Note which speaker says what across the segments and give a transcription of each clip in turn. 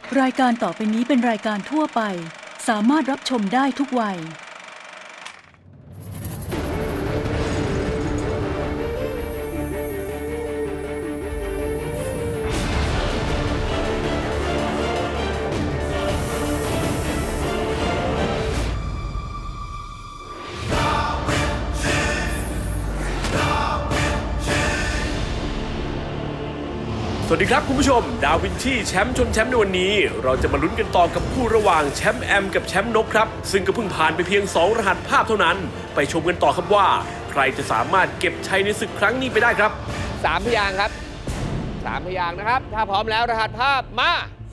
Speaker 1: รายการต่อไปนี้เป็นรายการทั่วไปสามารถรับชมได้ทุกวัย
Speaker 2: สวัสดีครับคุณผู้ชมดาวินชีแชมป์ชนแชมป์ในวันนี้เราจะมาลุ้นกันต่อกับคู่ระหว่างแชมป์แอมกับแชมป์นกครับซึ่งก็เพิ่งผ่านไปเพียง2รหัสภาพเท่านั้นไปชมกันต่อครับว่าใครจะสามารถเก็บชัยในศึกครั้งนี้ไปได้ครับ
Speaker 3: 3 พยางค์ครับ3 พยางค์นะครับถ้าพร้อมแล้วรหัสภาพมา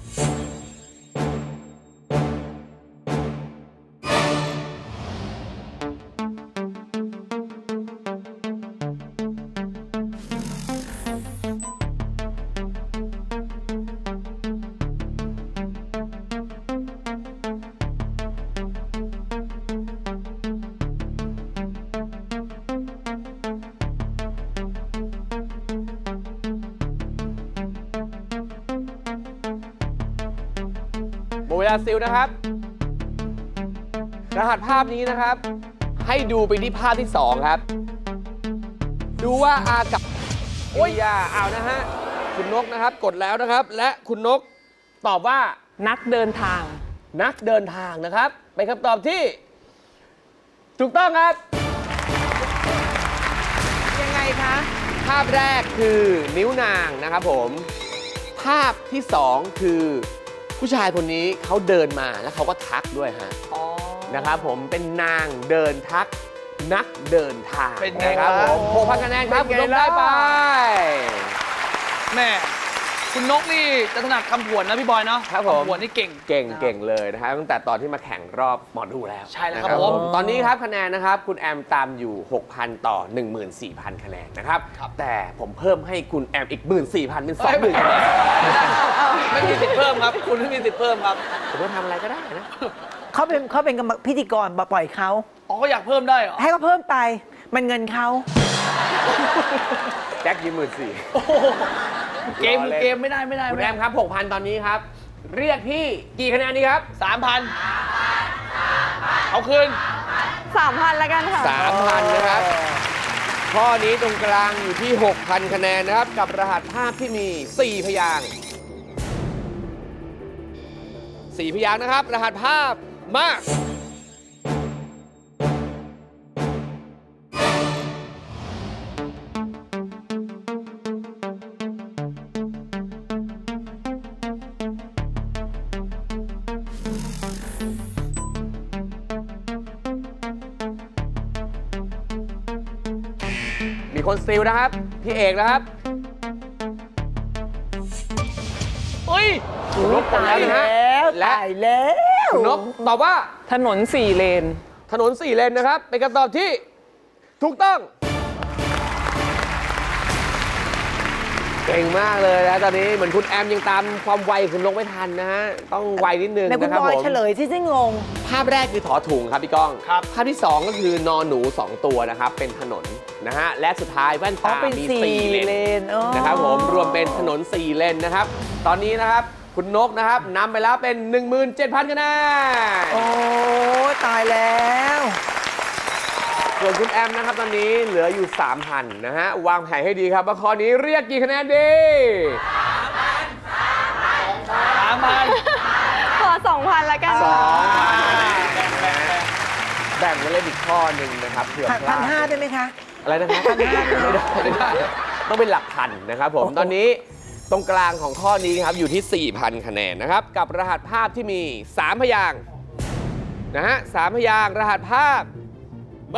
Speaker 3: หมดเวลาซิลนะครับรหัสภาพนี้นะครับ ให้ดูไปที่ภาพที่ 2 ครับ ดูว่าอากับโอ้ยเอานะฮะคุณนกนะครับกดแล้วนะครับ และคุณนกตอบว่า
Speaker 4: นักเดินทาง
Speaker 3: นักเดินทางนะครับเป็นคำตอบที่ ถูกต้องครับ
Speaker 4: ยังไงคะ
Speaker 3: ภาพแรกคือนิ้วนางนะครับผมภาพที่ 2 คือผู้ชายคนนี้เขาเดินมาแล้วเขาก็ทักด้วยฮะ
Speaker 4: อ๋อ
Speaker 3: นะครับผมเป็นนางเดินทักนักเดินทาง
Speaker 4: เป็นไง
Speaker 3: นะครับผม
Speaker 4: ล่ะ
Speaker 3: 6,000 คะแนนครับ
Speaker 4: เป็
Speaker 3: คุณ
Speaker 4: น
Speaker 3: น
Speaker 4: ไง
Speaker 3: กได้
Speaker 4: ล่ะ
Speaker 3: ไป
Speaker 5: แม่คุณนกนี่จะถนัดคำผวนนะพี่บอยเนาะ
Speaker 3: ครับผม
Speaker 5: คำผวนนี่เก่ง
Speaker 3: เก่งเลยนะครับตั้งแต่ตอนที่มาแข่งรอบหมอดูแล้ว
Speaker 5: ใช่แล้วครับ
Speaker 3: นะ
Speaker 5: ผม
Speaker 3: ตอนนี้ครับคะแนนนะครับคุณแอมตามอยู่ 6,000 ต่อ 14,000 คะแนนนะครับ แต่ผมเพิ่มให้คุณแอมอีก 14,000 เป็น 20,000 คะแนน
Speaker 5: ไม่มีสิทธิ์เพิ่มครับ คุณไม่มีสิทธิ์เพิ่มครับ
Speaker 3: ผมว่าทำอะไรก็ได้นะ
Speaker 6: เขาเป็นพิธีกรปล่อยเขา
Speaker 5: อ๋อก็อยากเพิ่มได้เหรอ
Speaker 6: ให้เขาเพิ่มไปมันเงินเขา
Speaker 3: แจ็คยืม14,000
Speaker 5: โอ้โหเกมคือเกมไม่ได้
Speaker 3: คุณแอมครับ 6,000 ตอนนี้ครับ เรียกพี่กี่คะแนนดีครับ
Speaker 5: 3,000เอาคืน
Speaker 4: 3,000แล้วกันค่ะ
Speaker 3: 3,000 นะครับ ข้อนี้ตรงกลางอยู่ที่ 6,000 คะแนนนะครับ กับรหัสภาพที่มี 4 พยางค์4 พยางค์นะครับ รหัสภาพมา มีคนสติลนะครับ พี่เอกนะครับ
Speaker 5: เฮ้ย
Speaker 3: คุณนกตายนะฮะ และ
Speaker 6: ตายแล้ว
Speaker 3: คุณนกตอบว่า
Speaker 4: ถนน 4 เลน
Speaker 3: ถนน 4 เลนนะครับ เป็นคำตอบที่ถูกต้อง เก่งมากเลยนะตอนนี้เหมือนคุณแอมยังตามความไวคุณนกไม่ทันนะฮะ ต้องไวนิดนึง
Speaker 6: ในคุณ
Speaker 3: นะครับ
Speaker 6: บอย
Speaker 3: ผม
Speaker 6: เฉลยที่งง
Speaker 3: ภาพแรกคือถอถุงครับพี่ก้อง
Speaker 5: ครับ
Speaker 3: ภาพที่ 2 ก็คือนอนหนู 2 ตัวนะครับ เป็นถนนนะฮะ และสุดท้ายแว่น
Speaker 6: อ๋อ
Speaker 3: ตา
Speaker 6: เป็น
Speaker 3: มี
Speaker 6: 4
Speaker 3: 4 เล
Speaker 6: เล
Speaker 3: น
Speaker 6: นอ๋อ
Speaker 3: นะครับผมรวมเป็นถนน 4 เลนนะครับ ตอนนี้นะครับคุณนกนะครับนำไปแล้วเป็น 17,000 คะแนน
Speaker 6: โอ้ตายแล้ว
Speaker 3: ส่วนคุณแอมนะครับตอนนี้เหลืออยู่ 3,000 นะฮะ วางแผนให้ดีครับว่าข้อนี้เรียกกี่คะแนนดี
Speaker 5: 3,000
Speaker 4: ขอ 2,000แล้วกัน
Speaker 3: แบ่งไว้เล่นอีกข้อหนึ่งนะครับเผื่อพลาด
Speaker 6: 1,500ได้ไหมคะ
Speaker 3: อะไรนะครับไม่ได้ต้องเป็นหลักพันนะครับผม ตอนนี้ตรงกลางของข้อนี้ครับอยู่ที่ 4,000 คะแนนนะครับ กับรหัสภาพที่มี 3 พยางค์นะฮะ3 พยางค์รหัสภาพ มา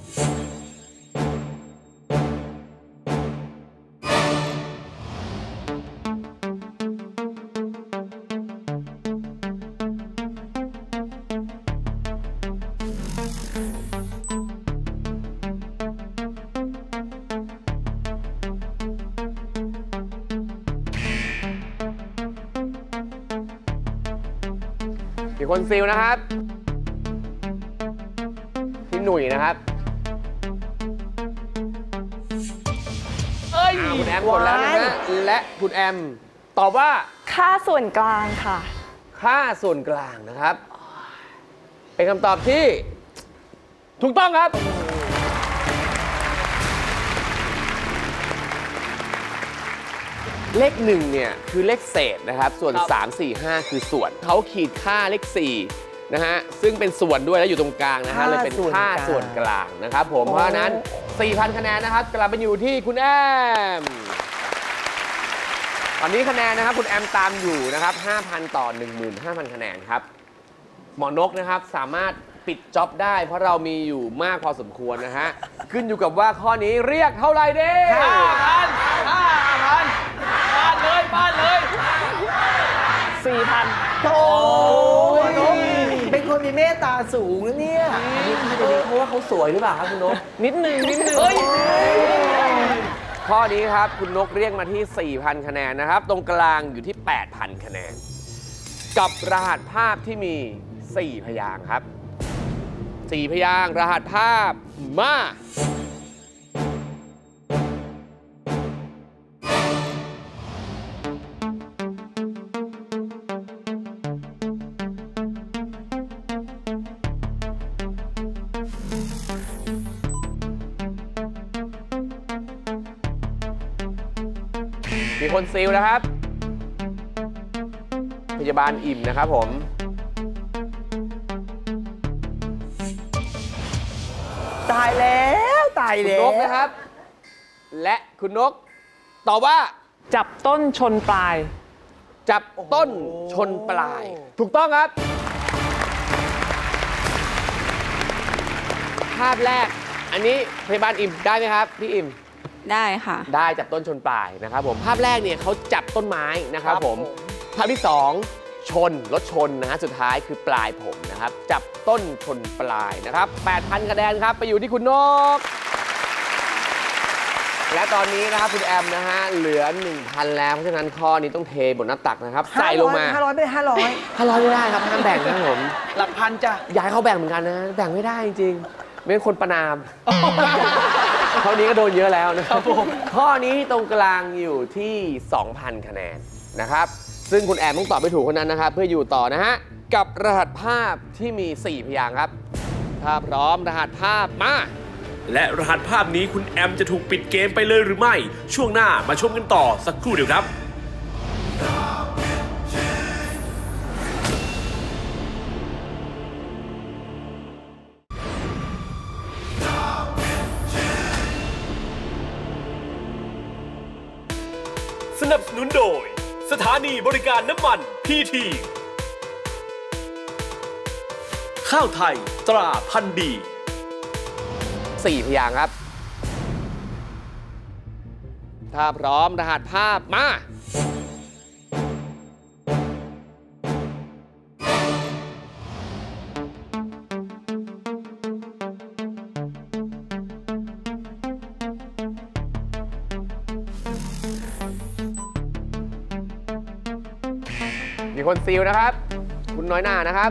Speaker 3: มีคนซิลนะครับ พี่หนุ่ยนะครับ
Speaker 5: เอ้ย
Speaker 3: คุณแอมกดแล้วนะฮะและคุณแอมตอบว่า
Speaker 4: ค่าส่วนกลางค่ะ
Speaker 3: ค่าส่วนกลางนะครับ เป็นคำตอบที่ถูกต้องครับ เลข1เนี่ยคือเลขเศษนะครับ ส่วน 3 4 5 คือส่วนเขาขีดค่าเลข4นะฮะซึ่งเป็นส่วนด้วยแล้วอยู่ตรงกลางนะฮะเลยเป็นค่าส่วนกลางนะครับผมเพราะฉะนั้น 4,000 คะแนนนะครับกลับไปอยู่ที่คุณแอมตอนนี้คะแนนนะครับคุณแอมตามอยู่นะครับ 5,000 ต่อ 15,000 คะแนนครับหมอนกนะครับสามารถปิดจ็อบได้ เพราะเรามีอยู่มากพอสมควรนะฮะขึ้นอยู่กับว่าข้อนี้เรียกเท่าไหร่เด้
Speaker 5: 5,000บ้านเลย
Speaker 4: 4,000
Speaker 6: โอ้ยเป็นคนมีเมตตาสูงนะเนี่ย
Speaker 3: เพราะว่าเขาสวยหรือเปล่าครับคุณนก
Speaker 4: นิดนึง
Speaker 3: ข้อนี้ครับคุณนกเรียกมาที่ 4,000 คะแนนนะครับ ตรงกลางอยู่ที่ 8,000 คะแนน กับรหัสภาพที่มี 4 พยางค์ครับ 4 พยางค์รหัสภาพมา มีคนซีลนะครับ พยาบาลอิ่มนะครับผม
Speaker 6: ตายแล้วตาย
Speaker 3: คุณ
Speaker 6: แล้
Speaker 3: น
Speaker 6: ว
Speaker 3: กนะครับ และคุณนกตอบว่า
Speaker 4: จับต้นชนปลาย
Speaker 3: จับต้นชนปลาย ถูกต้องครับ ภาพแรก อันนี้พยาบาลอิ่มได้ไหมครับ พี่อิ่ม
Speaker 7: ได้ค่ะ
Speaker 3: ได้จับต้นชนปลายนะครับผมภาพแรกเนี่ยเขาจับต้นไม้นะครับผมภาพที่ 2 ชนรถชนนะฮะสุดท้ายคือปลายผมนะครับจับต้นชนปลายนะครับ 8,000 คะแนนครับไปอยู่ที่คุณนก และตอนนี้นะครับคุณแอมนะฮะเหลือ 1,000 แล้วเพราะฉะนั้นข้อนี้ต้องเทบนหน้าตักนะครับใส่ลงมา
Speaker 6: 500ไม่500
Speaker 3: 500ไม่ได้ครับห้ามแบ่งนะครับผม
Speaker 5: หลักพันจ้ะ
Speaker 3: อยากให้เขาแบ่งเหมือนกันนะแบ่งไม่ได้จริงๆไม่เป็นคนประนาม ข้อนี้ก็โดนเยอะแล้วนะครับข้อนี้ตรงกลางอยู่ที่ 2,000 คะแนนนะครับ ซึ่งคุณแอมต้องตอบไปถูกคนนั้นนะครับ เพื่ออยู่ต่อนะฮะ กับรหัสภาพที่มี 4 พยางค์ครับ ถ้าพร้อมรหัสภาพมา
Speaker 2: และรหัสภาพนี้คุณแอมจะถูกปิดเกมไปเลยหรือไม่ ช่วงหน้ามาชมกันต่อสักครู่เดียวครับ สนับสนุนโดย สถานีบริการน้ำมันพีทีข้าวไทยตราพันธุ์ดี
Speaker 3: 4 พยางค์ครับ ถ้าพร้อมรหัสภาพมา มีคนซีลนะครับ คุณน้อยหน้านะครับ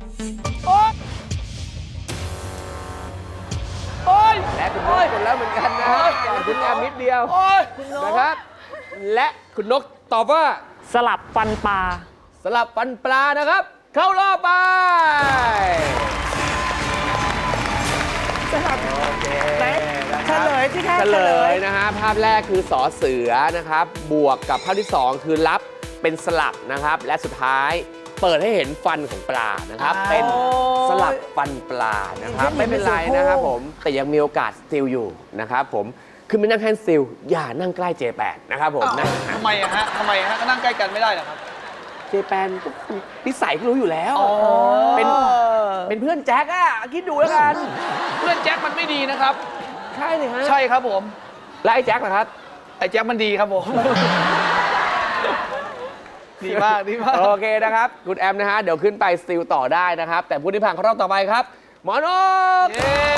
Speaker 3: และคุณนกคนแล้วเหมือนกันนะก่อนคุณแอมนิดเดียวนะครับ และคุณนกตอบว่า
Speaker 4: สลับฟันปลา
Speaker 3: สลับฟันปลานะครับ เข้ารอบไป
Speaker 6: ไหนเฉลยสิคะ
Speaker 3: เฉลยนะฮะภาพแรกคือสอเสือนะครับ บวกกับภาพที่ 2 คือรับเป็นสลับนะครับ และสุดท้ายเปิดให้เห็นฟันของปลานะครับ เป็นสลับฟันปลานะครับ ไม่เป็นไรนะครับผม แต่ยังมีโอกาสสติลอยู่นะครับผมคือไม่นั่งแฮนด์สติลอย่านั่งใกล้เจแปนนะครับผมนะ
Speaker 5: ทำไมอะฮะก็นั่งใกล้กันไม่ได้เหรอครับ
Speaker 3: เจแปนก็นิสัยก็รู้อยู่แล้ว เป็นเพื่อนแจ็คอะคิดดูแล้วกัน
Speaker 5: เพื่อนแจ็คมันไม่ดีนะครับ
Speaker 3: ใช่เลยฮะ
Speaker 5: ใช่ครับผม
Speaker 3: แล้วไอ้แจ็คล่ะครับ
Speaker 5: ไอ้แจ็คมันดีครับผม ดีมากดีมาก
Speaker 3: โอเคนะครับ คุณแอมนะฮะ เดี๋ยวขึ้นไปสติลต่อได้นะครับ แต่ผู้ที่ผ่านเข้ารอบต่อไปครับ หมอนก
Speaker 5: เย้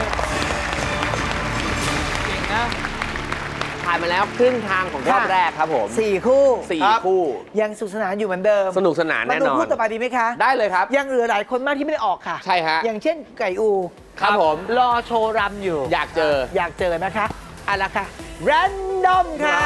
Speaker 5: เก่งนะ
Speaker 3: ผ่านมาแล้วครึ่งทางของรอบแรกครับผม
Speaker 6: 4 คู่
Speaker 3: 4 คู่
Speaker 6: ยังสนุกสนานอยู่เหมือนเดิม
Speaker 3: สนุกสนาน
Speaker 6: มา
Speaker 3: แน่
Speaker 6: ดู
Speaker 3: นอน
Speaker 6: คู่ต่อไปดีไหมคะ
Speaker 3: ได้เลยครับ
Speaker 6: ยังเหลือหลายคนมากที่ไม่ได้ออกค่ะ
Speaker 3: ใช่ฮะ
Speaker 6: อย่างเช่นไก่อู
Speaker 3: ครับผม
Speaker 6: รอโชว์รำอยู่
Speaker 3: อยากเจอ
Speaker 6: อยากเจอนะคะเอาละค่ะ แรนดอมค่ะ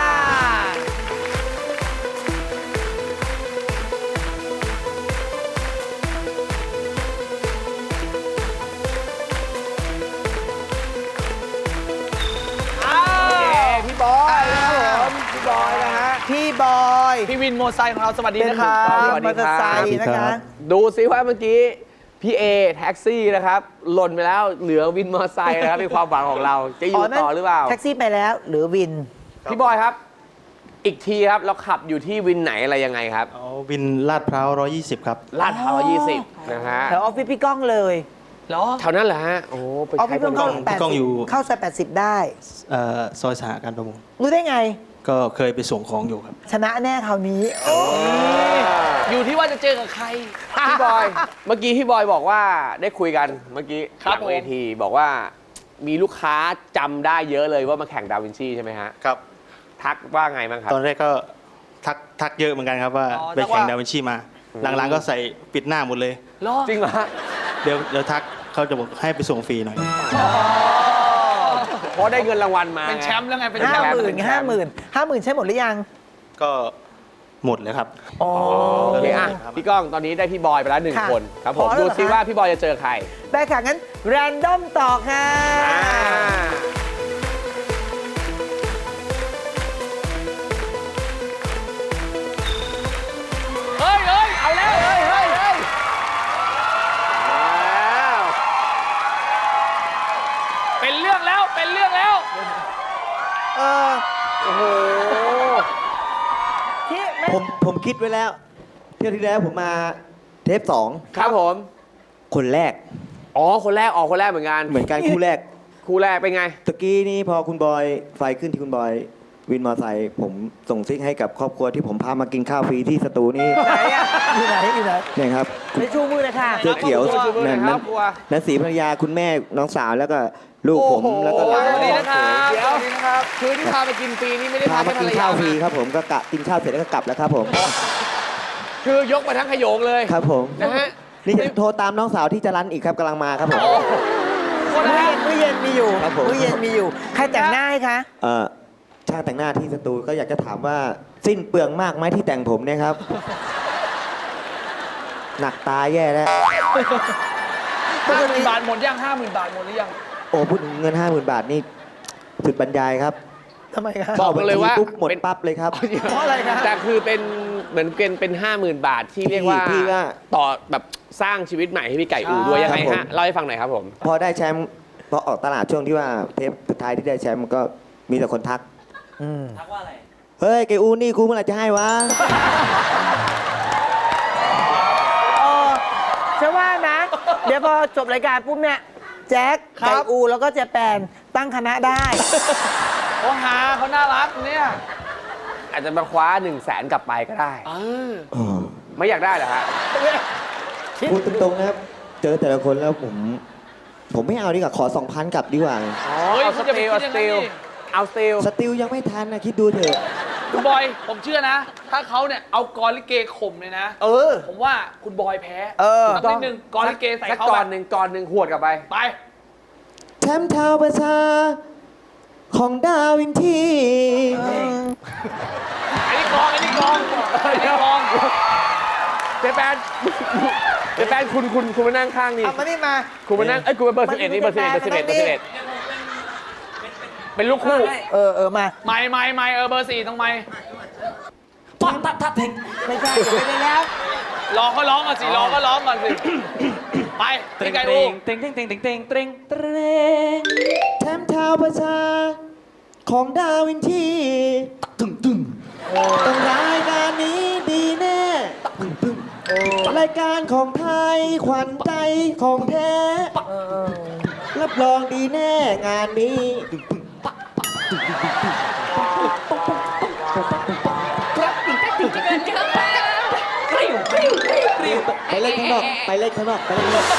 Speaker 5: วินมอเตอร์ไซค์ของเราสวัสดีนะครับ
Speaker 3: สวัสดีครับ
Speaker 6: มอเตอร์ไซค์นะคะ
Speaker 3: ดูซิว่าเมื่อกี้พี่เอแท็กซี่นะครับ หล่นไปแล้วเหลือวินมอเตอร์ไซค์นะครับเป็นความหวังของเราจะอยู่ต่อหรือเปล่า
Speaker 6: แท็กซี่ไปแล้วหรือวิน
Speaker 3: พี่บอยครับ อีกทีครับเราขับอยู่ที่วินไหนอะไรยังไงครับ
Speaker 7: อ๋อวินลาดพร้าว120 ครับ
Speaker 3: ลาดพร้าว20นะฮะ
Speaker 6: แถวออฟฟิศพี่ก้องเลย
Speaker 5: เหรอ
Speaker 3: แถวนั้นเหรอฮะโอ้ไป
Speaker 6: ออฟ
Speaker 3: ใช้
Speaker 6: ฟิศ
Speaker 3: บ
Speaker 6: พี่ก้อง
Speaker 3: ริการ
Speaker 7: พี่ก้องอยู่
Speaker 6: เข้าซอย80 ได้
Speaker 7: ซอยสหการประมง
Speaker 6: รู้ได้ไง
Speaker 7: ก็เคยไปส่งของอยู่ครับ
Speaker 6: ชนะแน่คราวนี้
Speaker 5: อยู่ที่ว่าจะเจอกับใคร
Speaker 3: พี่บอยเมื่อกี้พี่บอยบอกว่าได้คุยกันเมื่อกี้
Speaker 5: ครับ
Speaker 3: หลังเวทีบอกว่ามีลูกค้าจำได้เยอะเลยว่ามาแข่งดาวินชีใช่ไหมฮะ
Speaker 7: ครับ
Speaker 3: ทักว่าไงบ้างครับ
Speaker 7: ตอนแรกก็ทักเยอะเหมือนกันครับว่า
Speaker 5: อ๋อ
Speaker 7: ไปแข่ง
Speaker 5: ทักว่า
Speaker 7: ดาวินชีมา หลังๆก็ใส่ปิดหน้าหมดเลย
Speaker 5: เหรอ
Speaker 3: จริงเหรอฮะ
Speaker 7: เดี๋ยวทักเขาจะบอกให้ไปส่งฟรีหน่อย
Speaker 3: เพราะได้เงินรางวัลมา
Speaker 5: เป็นแชมป์แล้วไงเป็น
Speaker 6: ห้า
Speaker 5: แชม
Speaker 6: ห
Speaker 5: ป์
Speaker 6: มื่น50,000ใช้หมดหรือยัง
Speaker 7: ก็หมดเลยครับ
Speaker 6: อ๋อ
Speaker 3: โอเคอ่ะพี่ก้องตอนนี้ได้พี่บอยไปแล้วหนึ่ง
Speaker 6: ค่ะ
Speaker 3: คนครับผม
Speaker 6: พอแล้ว
Speaker 3: ดู
Speaker 6: เหรอ
Speaker 3: ซิ
Speaker 6: คะ
Speaker 3: ว่าพี่บอยจะเจอใคร
Speaker 6: ได้ค่ะงั้นแรนดอมต่อค่ะ
Speaker 3: อ่า
Speaker 5: เฮ้ยเฮ้ยเอาแล้วเฮ้ยเฮ้ยเฮ้ย
Speaker 3: แล้ว
Speaker 5: เป็นเรื่องแล้วเป็นเรื่องแล้ว
Speaker 6: เออ
Speaker 3: โอ้โห
Speaker 6: ที่ไม่
Speaker 8: ผมคิดไว้แล้ว เที่ยวที่แล้วผมมาเทป2
Speaker 3: ครับผม
Speaker 8: คนแรก
Speaker 3: อ๋อคนแรกออกคนแรกเหมือนกัน
Speaker 8: เหมือนกันคู่แรก
Speaker 3: คู่แรกเป็นไง
Speaker 8: ตะกี้นี่พอคุณบอยไฟขึ้นที่คุณบอยวินมอไซค์ผมส่งซิกให้กับครอบครัวที่ผมพามากินข้าวฟรีที่สตูนี่
Speaker 6: ไหนอะอยู่ไหนอยู่ไหน
Speaker 8: เนี่ยครับ
Speaker 6: ไปชูมือเลยค่ะ
Speaker 8: เสื้อเขียว
Speaker 3: ครอบครัว
Speaker 8: นั่น
Speaker 3: คร
Speaker 8: นั่
Speaker 3: อน บครัว
Speaker 8: นั่นสีภรรยาคุณแม่น้องสาวแล้วก็ลูกผมแล้วก็หลาน
Speaker 5: สวัสดีนะครับ
Speaker 3: เดี๋ยว
Speaker 5: สวัสดีนะครับ
Speaker 3: คือที่พาไปกินฟรีนี่ไม่ได้
Speaker 8: พา
Speaker 3: พา
Speaker 8: มา
Speaker 3: แค่ภ
Speaker 8: กิ
Speaker 3: ร
Speaker 8: น
Speaker 3: รยา
Speaker 8: ข้าวฟรี
Speaker 3: มา
Speaker 8: ครับผมก็กะกินข้าวเสร็จแล้วก็กลับแล้วครับผม
Speaker 3: คือยกมาทั้งขโยงเลย
Speaker 8: ครับผม
Speaker 3: นะฮะ
Speaker 8: นี่จะโทรตามน้องสาวที่จะรันอีกครับกำลังมาครับผม
Speaker 6: มื้อเย็นมีอยู่
Speaker 8: ครับผม
Speaker 6: มื้อเย็นมีอยู่ ใครแต่งหน้าให้คะ
Speaker 8: ช่างแต่งหน้าที่สตูก็อยากจะถามว่าสิ้นเปลืองมากไหมที่แต่งผมเนี่ยครับ หนักตาแย่แล้ว
Speaker 5: 50,000 บาทหมดยัง50,000 บาทหมดหรือยัง
Speaker 8: โอ้พูดถึงเงิน 50,000 บาทนี่สุดบรรยายครับ
Speaker 6: ทำไมคะ
Speaker 3: บอกเลยว่า
Speaker 8: ปุ๊บหมด
Speaker 3: เป็น
Speaker 8: ปั๊บเลยครับ
Speaker 6: เพราะอะไรคะ
Speaker 3: แต่คือเป็นเหมือนเป็น50,000 บาทที่เรียกว่า
Speaker 8: ที่ว่า
Speaker 3: ต่อแบบสร้างชีวิตใหม่ให้พี่ไก่อูด้วยยังไง
Speaker 8: ครับผม
Speaker 3: ฮะเล่าให้ฟังหน่อยครับผม
Speaker 8: พอได้แชมป์พอออกตลาดช่วงที่ว่าเทปสุดท้ายที่ได้แชมป์มันก็มีแต่คนทัก ทักว่าอะไร เฮ้ยไกอูนี่กูเมื่อไหร่จะให้วะ
Speaker 6: เออฉันว่านะ เดี๋ยวพอจบรายการปุ๊บเนี่ย แจ็ค
Speaker 5: ครับ
Speaker 6: ไก่อูแล้วก็เจแปนตั้งคณะได้
Speaker 5: โอ้หาเขาน่ารักเนี่ย
Speaker 3: อาจจะมาคว้า1 0 0 0 0แสนกลับไปก็ได้ ไม่อยากได้เหรอฮะ
Speaker 8: พูดตรงๆนะครับ เจอแต่ละคนแล้วผมไม่เอาดีกว่าขอ 2,000 กลับดีกว่า
Speaker 5: เฮ้ย
Speaker 3: เอา
Speaker 5: คุณจะไปคิดอย่างนั้นดิ
Speaker 3: เอาสติล
Speaker 8: สติลยังไม่ทันนะคิดดูเถอะ
Speaker 5: คุณบอย ผมเชื่อนะ ถ้าเขาเนี่ยเอากรลิเกข่มเลยนะ
Speaker 3: เออ
Speaker 5: ผมว่าคุณบอยแพ้
Speaker 6: เออ
Speaker 5: สักนิดนึงกรลิเกใส่
Speaker 3: สัก
Speaker 5: เขา
Speaker 3: ก่
Speaker 5: ไป
Speaker 3: อนหนึ่งหวดกลับไป
Speaker 5: ไป
Speaker 8: แชมป์ชาวประชาของดาวินที
Speaker 5: ไอ้นี่กองไอ้นี่กองไอ้นี่กอง
Speaker 3: เจแปนเจแปนคุณมานั่งข้างนี่
Speaker 6: เอามานี่มา
Speaker 3: คุณมานั่งเอ้ยคุณเป็นเบอร์
Speaker 6: มัน
Speaker 3: 11นี่เบอร์ 11เบอร์ 11เบอร์
Speaker 6: มันนี่
Speaker 3: 11เป็นลูกคู่
Speaker 6: เออมา
Speaker 5: ไม่เบอร์ 4ต้องไม่
Speaker 6: ไม่ใช่เดี๋ยวไปได้แล้ว
Speaker 5: รอเขาร้องก่อนสิรอเขาร้องก่อนสิ ไปพี่ไก่อู
Speaker 8: แชมป์ชาวประชาของดาวินทีต้องรายการนี้ดีแน่รายการของไทยขวัญใจของแท้ รับรองดีแน่งานนี้ ไปเล่นข้างนอกไปเล่นข้างนอกไปเล่นข้างนอก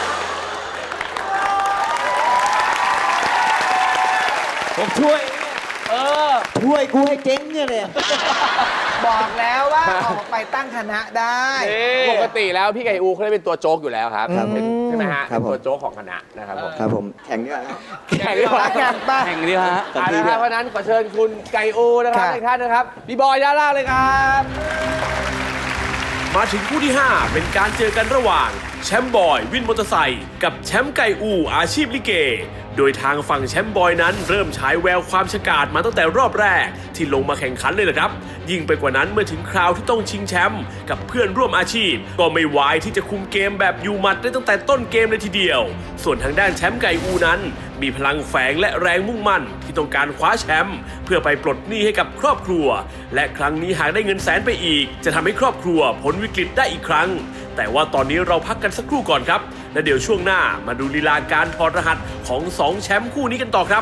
Speaker 8: ผมช่วย
Speaker 5: เออ
Speaker 8: ช่วยกูให้เจ๊งเนี่ยเลย
Speaker 6: บอกแล้วว่าออกไปตั้งคณะได้
Speaker 3: ปกติแล้วพี่ไก่อูเขาได้เป็นตัวโจ๊กอยู่แล้วครับ
Speaker 8: ครับ
Speaker 3: เป็นใช่ไหมฮะ
Speaker 8: ครับ
Speaker 3: เป็น
Speaker 8: ผม
Speaker 3: ตัวโจ๊กของคณะนะครับผม
Speaker 8: ครับผมแข่งดีกว่าครับ
Speaker 3: แข่งดีกว่า
Speaker 6: แข่งไป
Speaker 7: แข่งดีฮะ
Speaker 3: เพราะฉะนั้นขอเชิญคุณไก่อูนะครับ
Speaker 6: ค่ะ
Speaker 3: อีกท่านนะครับพี่บอยด้านล่างเลยครับ
Speaker 2: มาถึงคู่ที่ 5 เป็นการเจอกันระหว่างแชมป์บอยวินมอเตอร์ไซค์กับแชมป์ไก่อูอาชีพลิเก โดยทางฝั่งแชมป์บอยนั้นเริ่มฉายแววความฉกาจมาตั้งแต่รอบแรกที่ลงมาแข่งขันเลยนะครับยิ่งไปกว่านั้นเมื่อถึงคราวที่ต้องชิงแชมป์กับเพื่อนร่วมอาชีพก็ไม่วายที่จะคุมเกมแบบอยู่หมัดได้ตั้งแต่ต้นเกมเลยทีเดียวส่วนทางด้านแชมป์ไก่อูนั้นมีพลังแฝงและแรงมุ่งมั่นที่ต้องการคว้าแชมป์เพื่อไปปลดหนี้ให้กับครอบครัวและครั้งนี้หากได้เงินแสนไปอีกจะทำให้ครอบครัวพ้นวิกฤตได้อีกครั้งแต่ว่าตอนนี้เราพักกันสักครู่ก่อนครับและเดี๋ยวช่วงหน้ามาดูลีลาการถอดรหัสของ2แชมป์คู่นี้กันต่อครับ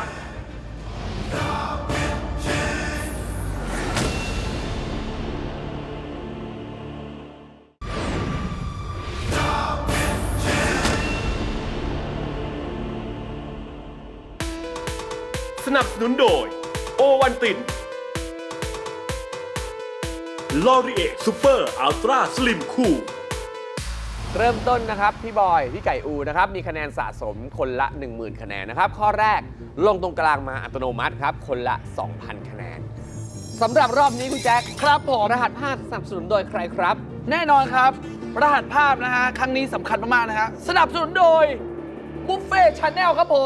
Speaker 2: สนับสนุนโดยโอวันตินลอรีเอซูเปอร์อัลตร้าสลิมคูล
Speaker 3: เริ่มต้นนะครับพี่บอยพี่ไก่อูนะครับมีคะแนนสะสมคนละ 10,000 คะแนนนะครับข้อแรกลงตรงกลางมาอัตโนมัติครับคนละ 2,000 คะแนนสำหรับรอบนี้คุณแจ็ค
Speaker 5: ครับผม
Speaker 3: รหัสภาพสนับสนุนโดยใครครับ
Speaker 5: แน่นอนครับ รหัสภาพนะฮะ ครั้งนี้สำคัญมาก ๆ นะฮะ สนับสนุนโดยบุฟเฟ่ชาแนลครับผม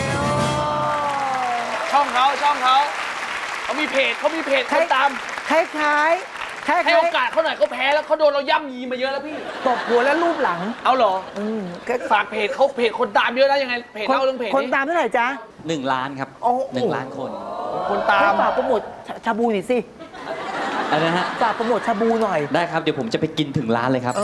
Speaker 5: ช่องเขาเขามีเพจคนตาม
Speaker 6: คล้าย
Speaker 5: ให้โอกาสเขาหน่อยเขาแพ้แล้วเขาโดนเราย่ำยีมาเยอะแล้วพี่
Speaker 6: ตบหัวและรูปหลัง
Speaker 5: เอาเหรอ
Speaker 6: ก็
Speaker 5: ฝากเพจเขาเพจคนตามเยอะนะยังไงเพจเล่าเรื่องเพจ
Speaker 6: คน
Speaker 5: นี้
Speaker 6: ตามเท่าไหร่จ๊ะ
Speaker 8: 1 ล้านครับ
Speaker 6: โอ้
Speaker 8: 1 ล้านคน
Speaker 5: คนตา
Speaker 6: ให้
Speaker 5: ม
Speaker 6: ฝากโปรโมทชาบูหน่อยสิ
Speaker 8: อะไรนะฮะ
Speaker 6: ฝากโปรโมทชาบูหน่อย
Speaker 8: ได้ครับ เดี๋ยวผมจะไปกินถึงร้านเลยครับ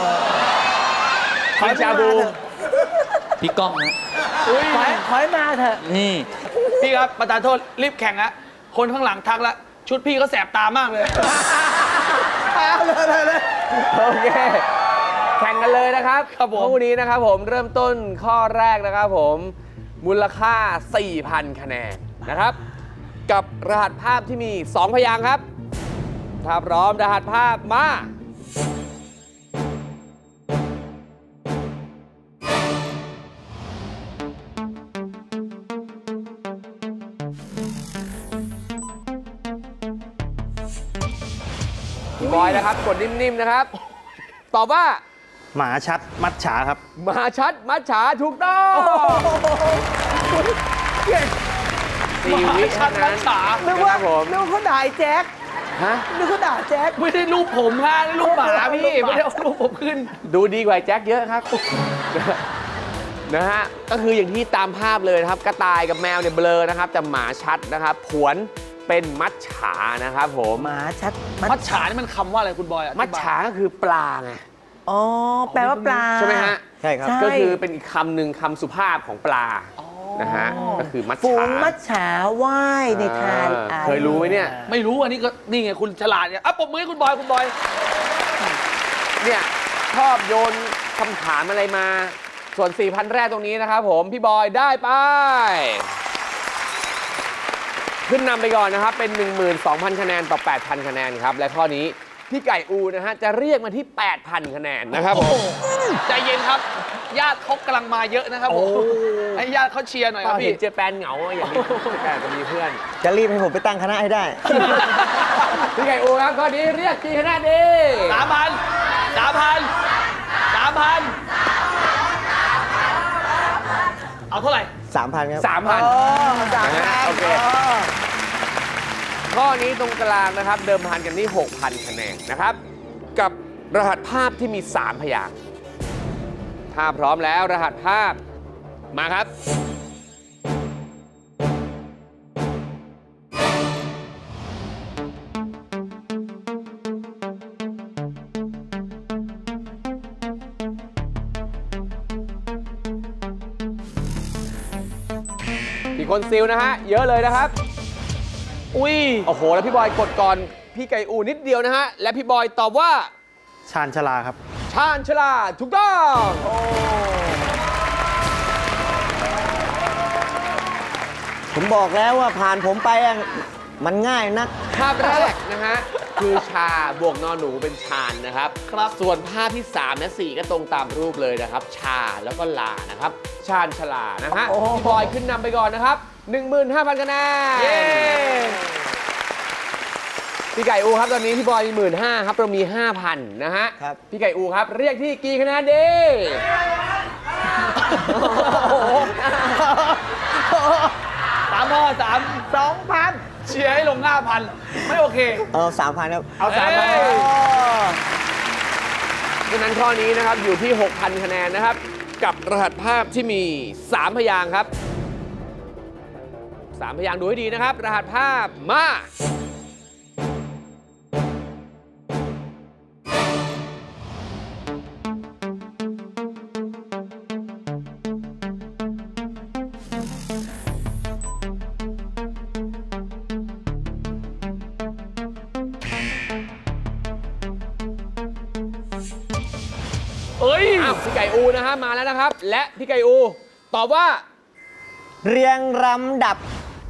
Speaker 6: ขอชาบู
Speaker 8: พี่ก้องนะ
Speaker 6: ขอให้มาเถอะ
Speaker 8: นี่
Speaker 5: พี่ครับประธานโทษรีบแข่งละคนข้างหลังทักละชุดพี่ก็แสบตามากเลย
Speaker 3: โอเคแข่งกันเลยนะครับ
Speaker 5: ครับผม
Speaker 3: คู่นี้นะครับผมเริ่มต้นข้อแรกนะครับผมมูลค่า 4,000 คะแนนนะครับกับรหัสภาพที่มี 2 พยางค์ครับถ้าพร้อมรหัสภาพมาพี่บอยนะครับกดนิ่มๆนะครับตอบว่า
Speaker 7: หมาชัดมัดฉาครับ
Speaker 3: มหาชัดมัจฉาถูกต้อง4 วิเท่านั้น
Speaker 6: นึก
Speaker 3: นะค
Speaker 6: ว่า
Speaker 3: รับผม
Speaker 6: นึกว่าเขาด่าไอ้แจ็ค
Speaker 3: ฮะ
Speaker 6: นึกว่าด่าแจ็ค
Speaker 5: ไม่ได้รูปผมฮะนี่รูปหมาพี่ไม่ได้เอารูปผมขึ้น
Speaker 3: ดูดีกว่าแจ็คเยอะครับ นะฮะก็คืออย่างที่ตามภาพเลยนะครับกระต่ายกับแมวเนี่ยเบลอนะครับแต่หมาชัดนะครับผวนเป็นมัจฉานะครับผม
Speaker 6: หมาชัด
Speaker 5: มัจฉานี่มันคำว่าอะไรคุณบอยอธิบย
Speaker 3: มัจฉาก็คือปลาไง
Speaker 6: อ๋อ แปลว่าปลา
Speaker 3: ใช่ไหมฮะ
Speaker 8: ใช่ครับ
Speaker 6: ใช่
Speaker 3: ก็คือเป็นอีกคำหนึ่งคำสุภาพของปลานะฮะก็คือมัจ
Speaker 6: ฝู
Speaker 3: ฉาง
Speaker 6: มัจฉาว่ายในทาน
Speaker 3: เคยรู้ไหมเนี่ย
Speaker 5: ไม่รู้อันนี้ก็นี่ไงคุณฉลาดเนี่ยอ่ะปมมือให้คุณบอย
Speaker 3: เนี่ยชอบโยนคำถามอะไรมา ส่วน 4,000 แรกตรงนี้นะครับผม พี่บอยได้ไป ขึ้นนำไปก่อนนะครับ เป็น 12,000 คะแนนต่อ 8,000 คะแนนครับ และข้อนี้พี่ไก่อูนะฮะ จะเรียกมาที่ 8,000 คะแนนนะครับผม
Speaker 5: ใจเย็นครับ ญาติเขากำลังมาเยอะนะครับผมให้ญาติเขาเชียร์หน่อยครับ
Speaker 3: เห็
Speaker 5: พี่
Speaker 3: นเจแปนเหงาอย่างนี้เจแปนจะมีเพื่อน
Speaker 8: จะรีบให้ผมไปตั้งคณะให้ได้
Speaker 3: พี่ไก่อูครับข้อนี้เรียกกี่คะแนนดี
Speaker 5: 3,000 เอาเท่าไหร่
Speaker 8: 3,000 ครับ
Speaker 3: 3,000 นะฮะโอเค ข้อนี้ตรงกลางนะครับ เดิมพันกันที่ 6,000 คะแนนนะครับ กับรหัสภาพที่มี 3 พยางค์ถ้าพร้อมแล้วรหัสภาพมาครับ มีคนซิลนะฮะ เยอะเลยนะครับ
Speaker 5: อุ้ย
Speaker 3: โอ้โห แล้วพี่บอยกดก่อน พี่ไก่อูนิดเดียวนะฮะ และพี่บอยตอบว่า
Speaker 7: ชาญชลาครับ
Speaker 3: ชาญชลาถูกต้อง
Speaker 8: ผมบอกแล้วว่าผ่านผมไปอะมันง่ายนัก
Speaker 3: ภาพแรกนะฮะ คือชาบวกนอนหนูเป็นชาญนะครับ ส่วนภาพที่ 3 และ 4 ก็ตรงตามรูปเลยนะครับ ชาแล้วก็ลานะครับ ชาญชลานะฮะพี่บอยขึ้นนำไปก่อนนะครับ 15,000 คะแนน
Speaker 5: เย้
Speaker 3: พี่ไก่อูครับตอนนี้พี่บอยมี15,000ครับเรามี 5,000 นะฮะ
Speaker 8: ครับ
Speaker 3: พี่ไก่อูครับเรียกที่กี่คะแนนดี
Speaker 5: 2,000 เชียร์ให้ลง 5,000 ไม่โอเค
Speaker 8: 3,000 ครับ
Speaker 3: เอา3,000
Speaker 5: เอ้ย
Speaker 3: ดังนั้นข้อนี้นะครับอยู่ที่ 6,000 คะแนนนะครับ กับรหัสภาพที่มี 3 พยางค์ครับ 3 พยางค์ดูให้ดีนะครับ รหัสภาพมา
Speaker 5: เอ้ย
Speaker 3: อ้าวพี่ไก่อูนะฮะมาแล้วนะครับ และพี่ไก่อูตอบว่า
Speaker 8: เรียงลำดับ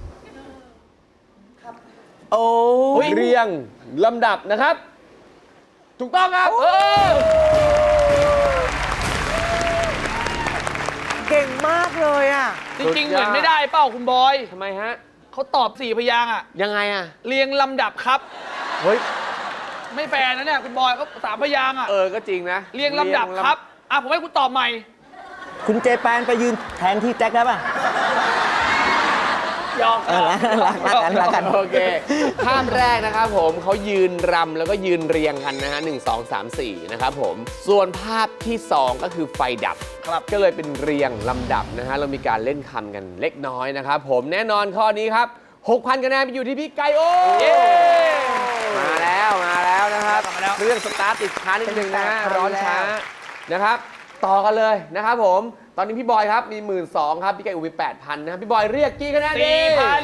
Speaker 6: โอ้ย
Speaker 3: เรียงลำดับนะครับ ถูกต้องครับ
Speaker 6: เก่งมากเลยอ่ะ
Speaker 5: จริงๆ เหมือนไม่ได้เป้าคุณบอย
Speaker 3: ทำไมฮะ
Speaker 5: เขาตอบ4 พยางค์อ่ะ
Speaker 3: ยังไงอ่ะ
Speaker 5: เรียงลำดับครับ
Speaker 3: เฮ้ย
Speaker 5: ไม่แฟร์นะเนี่ยคุณบอยเขา3 พยางค์อ่ะ
Speaker 3: ก็จริงนะ
Speaker 5: เรียงลำดับครับ อ่ะผมให้คุณตอบใหม่
Speaker 8: คุณเจแปนไปยืนแทนที่แจ็คได้ป่ะ
Speaker 5: ยอม
Speaker 8: รักกัน
Speaker 3: โอเค ภาพแรกนะครับผมเขายืนรำแล้วก็ยืนเรียงกันนะฮะ1 2 3 4นะครับผมส่วนภาพที่ 2 ก็คือไฟดับครับก็เลยเป็นเรียงลำดับนะฮะเรามีการเล่นคำกันเล็กน้อยนะครับผมแน่นอนข้อนี้ครับ 6,000 คะแนนไปอยู่ที่พี่ไก่โอ
Speaker 5: เย้
Speaker 3: มาแล้วนะครับเรื่องสตาร์ทติดช้านิดนึงนะฮะร้อนช้านะครับ ต่อกันเลยนะครับผมตอนนี้พี่บอยครับมี 12,000ครับพี่ไก่อูมี 8,000นะครับพี่บอยเรียกกี่คะแนนดี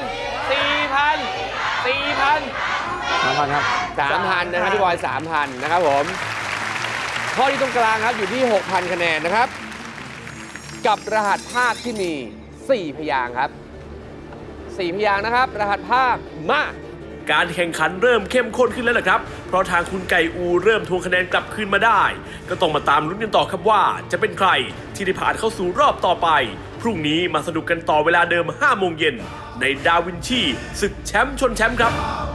Speaker 8: 3,000 ครับ
Speaker 3: 3,000 นะครับพี่บอย 3,000 นะครับผมข้อที่ตรงกลางครับอยู่ที่ 6,000 คะแนนนะครับ กับรหัสภาพที่มี 4 พยางค์ครับ 4 พยางค์นะครับ รหัสภาพมา
Speaker 2: การแข่งขันเริ่มเข้มข้นขึ้นแล้วล่ะครับ เพราะทางคุณไก่อูเริ่มทวงคะแนนกลับคืนมาได้ ก็ต้องมาตามลุ้นกันต่อครับว่าจะเป็นใครที่ได้ผ่านเข้าสู่รอบต่อไป พรุ่งนี้มาสนุกกันต่อเวลาเดิม 5 โมงเย็นในดาวินชีศึกแชมป์ชนแชมป์ครับ